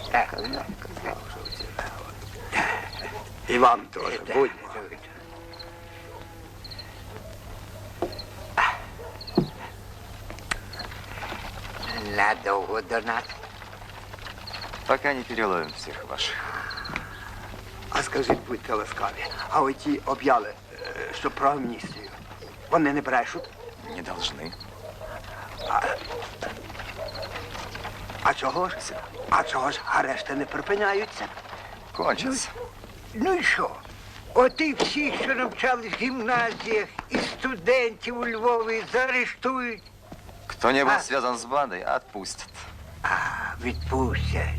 І вам теж. Будьмо. Надовго до нас. Пока не переловим всех ваших. А скажіть, будьте ласкаві, а оті об'яли, що про амністію, вони не брешуть? Не должны. А чого ж? А чого ж арешти не припиняються? Кончится. Ну і що? От і всі, що навчались в гімназіях, і студентів у Львові заарештують. Кто-нибудь связан с бандой, отпустят. А, відпустять.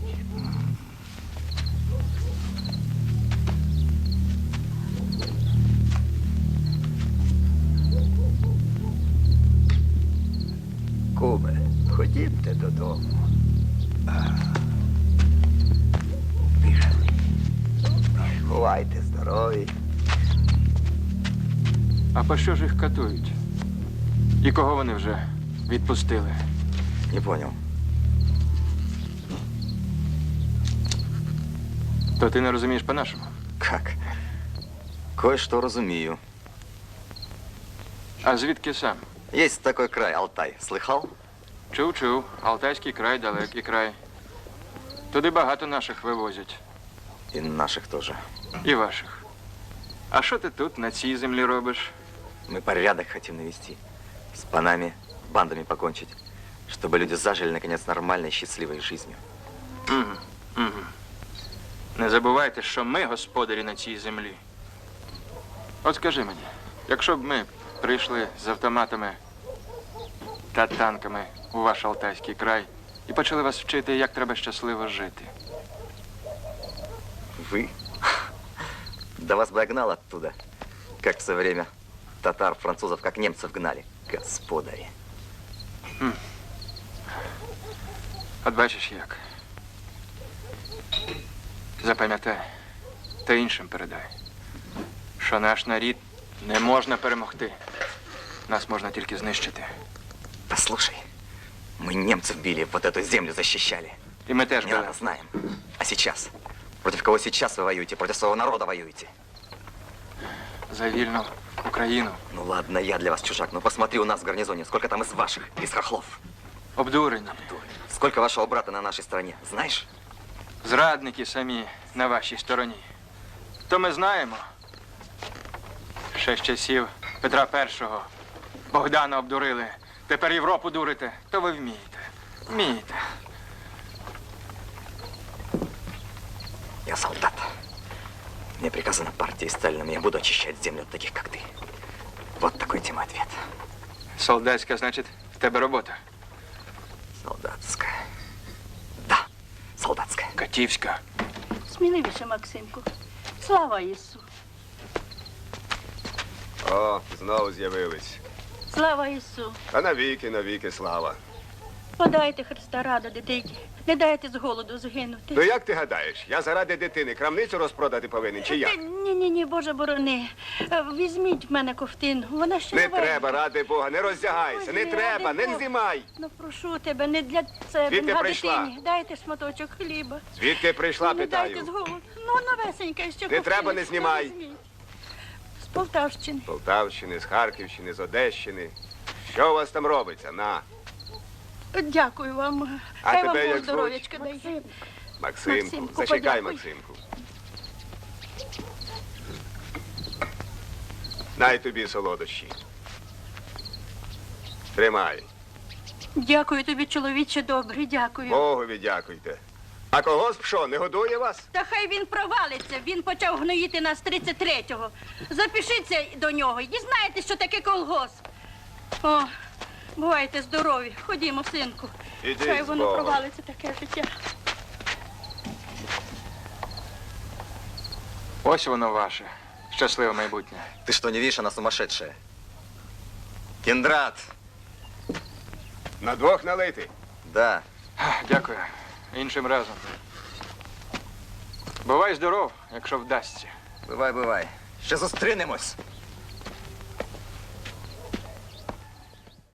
Куме, ходімте додому. Пішли. Бувайте здорові. А по що ж їх катують? І кого вони вже відпустили? Не понял. То ти не розумієш по-нашому? Как? Кое-что разумею. А звідки сам? Есть такой край, Алтай. Слыхал? Чув. Алтайський край, далекий край. Туди багато наших вивозять. И наших тоже. І ваших. А що ти тут, на цій землі робиш? Мы порядок хотим навести. С панами, бандами покончить. Чтобы люди зажили, наконец, нормальной, счастливой жизнью. Угу. Не забувайте, що ми господарі на цій землі. От скажи мені, якщо б ми прийшли з автоматами та танками у ваш Алтайський край і почали вас вчити, як треба щасливо жити. Вы? Да вас бы я гнал оттуда. Как в свое время татар, французов, как немцев гнали. Господари. От бачиш як. Запам'ятай та іншим передай, що наш народ не можна перемогти. Нас можна тільки знищити. Послушай, мы немцев били, вот эту землю защищали. І ми теж Не були. надо, знаем. А сейчас? Против кого сейчас вы воюете? Против своего народа воюете? За вільну Україну. Ну ладно, я для вас чужак, но посмотри у нас в гарнизоне, сколько там из ваших, из хохлов. Обдурені. Сколько вашего брата на нашей стороне, знаешь? Зрадники самі на вашій стороні. То ми знаємо. Ще з часів Петра І. Богдана обдурили. Тепер Європу дурите. То ви вмієте. Вмієте. Я солдат. Мне приказано партией Сталином, я буду очищать землю от таких, как ты. Вот такой тебе ответ. Солдатська, значить, в тебе робота. Солдатская. Да, солдатская. Катівська. Сміливіше, Максимку. Слава Ісу! О, знову з'явились. Слава Ісу! А навіки слава. Подайте Христа ради, дитині. Не дайте з голоду згинути. Ну як ти гадаєш, я заради дитини крамницю розпродати повинен, чи як? Ні, Боже борони. Візьміть в мене ковтину. Вона ще Не новенька. треба, ради Бога, не роздягайся, не Ой, треба, ради не Бога. знімай. Ну, прошу тебе, не для себе, Звідки для прийшла? дитині. Дайте шматочок хліба. Звідки прийшла, Не дайте з питаю. голоду. Ну, новесенька ще Не треба, не знімай. Візьміть. З Полтавщини. З Полтавщини, з Харківщини, з Одещини. Що у вас там робиться? На. Дякую вам. А Хай тебе вам як Бог здоров'ячка дає. Максимку, Максимку, зачекай, подякуй. Максимку. Най тобі солодощі. Тримай. Дякую тобі, чоловіче добрий, дякую. Богові дякуйте. А колгосп що, не годує вас? Та хай він провалиться, він почав гноїти нас 33-го. Запишіться до нього і дізнаєтесь, що таке колгосп. О, бувайте здорові, ходімо, синку. Ідіть Хай з воно Богом. провалиться таке життя. Ось воно ваше. Щасливе майбутнє. Ты что, не видишь, она сумасшедшая? Кендрат! На двох налити. Да. Дякую. Іншим разом. Бувай здоров, якщо вдасться. Бывай, бывай. Ще зустрінемось.